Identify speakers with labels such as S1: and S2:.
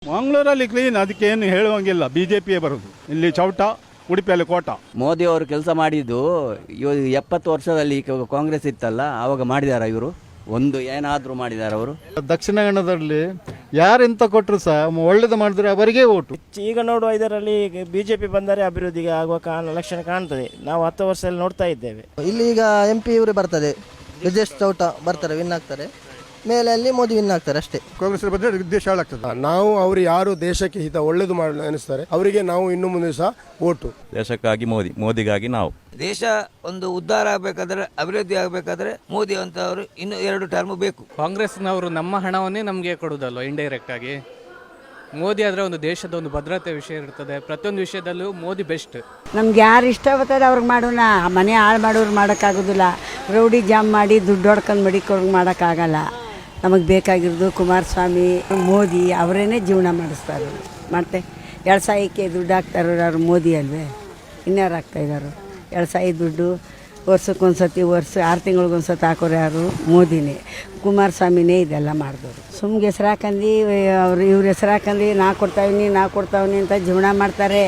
S1: ಮಂಗಳೂರಲ್ಲಿ ಕ್ಲೀನ್, ಅದಕ್ಕೇನು ಹೇಳುವಂಗಿಲ್ಲ. BJPಯೇ ಬರೋದು ಇಲ್ಲಿ. ಚೌಟ, ಉಡುಪಿಯಲ್ಲಿ ಕೋಟ.
S2: ಮೋದಿ ಅವರು ಕೆಲಸ ಮಾಡಿದ್ದು 70 ವರ್ಷದಲ್ಲಿ ಕಾಂಗ್ರೆಸ್ ಇತ್ತಲ್ಲ, ಆವಾಗ ಮಾಡಿದಾರ ಇವರು? ಒಂದು ಏನಾದರೂ ಮಾಡಿದಾರ ಅವರು?
S3: ದಕ್ಷಿಣ ಕನ್ನಡದಲ್ಲಿ ಯಾರೆಂತ ಕೊಟ್ಟರು ಸಹ ಒಳ್ಳೇದು ಮಾಡಿದ್ರೆ ಅವರಿಗೆ ಓಟು.
S4: ಈಗ ನೋಡುವ ಇದರಲ್ಲಿ BJP ಬಂದರೆ ಅಭಿವೃದ್ಧಿಗೆ ಆಗುವ ಲಕ್ಷಣ ಕಾಣ್ತದೆ. ನಾವು 10 ವರ್ಷದಲ್ಲಿ ನೋಡ್ತಾ ಇದ್ದೇವೆ.
S5: ಇಲ್ಲಿ ಈಗ MP ಇವರು ಬರ್ತದೆ, ಬ್ರಿಜೇಶ್ ಚೌಟ ಬರ್ತಾರೆ, ವಿನ್ ಆಗ್ತಾರೆ. ಮೇಲೆ ಅಲ್ಲಿ ಮೋದಿ ವಿನ್ ಆಗ್ತಾರೆ ಅಷ್ಟೇ.
S6: ಕಾಂಗ್ರೆಸ್ ಬಂದರೆ ದೇಶ ಹಾಳಾಗ್ತದೆ. ನಾವು ಅವರು ಯಾರು ದೇಶಕ್ಕೆ ಹಿತ ಒಳ್ಳೇದು ಮಾಡಿ ಅನಿಸ್ತಾರೆ ಅವರಿಗೆ ನಾವು ಇನ್ನು ಮುಂದೆ ಸಹ ಓಟು.
S7: ದೇಶಕ್ಕಾಗಿ ಮೋದಿಗಾಗಿ ನಾವು.
S8: ದೇಶ ಒಂದು ಉದ್ಧಾರ ಆಗಬೇಕಾದ್ರೆ, ಅಭಿವೃದ್ಧಿ ಆಗಬೇಕಾದ್ರೆ ಮೋದಿ ಅಂತವರು ಇನ್ನು 2 ಟರ್ಮ್ ಬೇಕು.
S9: ಕಾಂಗ್ರೆಸ್ನವರು ನಮ್ಮ ಹಣವನ್ನೇ ನಮಗೆ ಕೊಡುವುದಲ್ವ ಇಂಡೈರೆಕ್ಟ್ ಆಗಿ. ಮೋದಿ ಆದರೆ ಒಂದು ದೇಶದ ಒಂದು ಭದ್ರತೆ ವಿಷಯ ಇರ್ತದೆ. ಪ್ರತಿಯೊಂದು ವಿಷಯದಲ್ಲೂ ಮೋದಿ ಬೆಸ್ಟ್.
S10: ನಮ್ಗೆ ಯಾರು ಇಷ್ಟ ಬರ್ತದೆ ಅವ್ರಿಗೆ ಮಾಡೋಣ. ಮನೆ ಹಾಳು ಮಾಡೋರು ಮಾಡೋಕ್ಕಾಗೋದಿಲ್ಲ. ರೌಡಿ ಜಾಮ್ ಮಾಡಿ ದುಡ್ಡು ಹೊಡ್ಕೊಂಡು ಮಡಿಕೊರ್ಗೆ ಮಾಡೋಕ್ಕಾಗಲ್ಲ. ನಮಗೆ ಬೇಕಾಗಿರೋದು ಕುಮಾರಸ್ವಾಮಿ, ಮೋದಿ ಅವರೇನೆ ಜೀವನ ಮಾಡಿಸ್ತಾರೆ. ಮತ್ತು ಎಳ್ಸಾಯಕ್ಕೆ ದುಡ್ಡು ಹಾಕ್ತಾರೋ ಯಾರು? ಮೋದಿ ಅಲ್ವೇ, ಇನ್ಯಾರು ಹಾಕ್ತಾಯಿದ್ದಾರೋ? ಎಳ್ಸಾಯಿ ದುಡ್ಡು ವರ್ಷಕ್ಕೊಂದ್ಸತಿ, 6 ತಿಂಗಳಿಗೊಂದ್ಸತಿ ಹಾಕೋರು ಯಾರು? ಮೋದಿನೇ, ಕುಮಾರಸ್ವಾಮಿನೇ ಇದೆಲ್ಲ ಮಾಡಿದವರು. ಸುಮ್ಗೆ ಹೆಸ್ರು ಹಾಕಂದು ಇವ್ರ ಹೆಸ್ರು ಹಾಕಂದು ನಾ ಕೊಡ್ತಾವಿನಿ ಅಂತ ಜೀವನ ಮಾಡ್ತಾರೆ.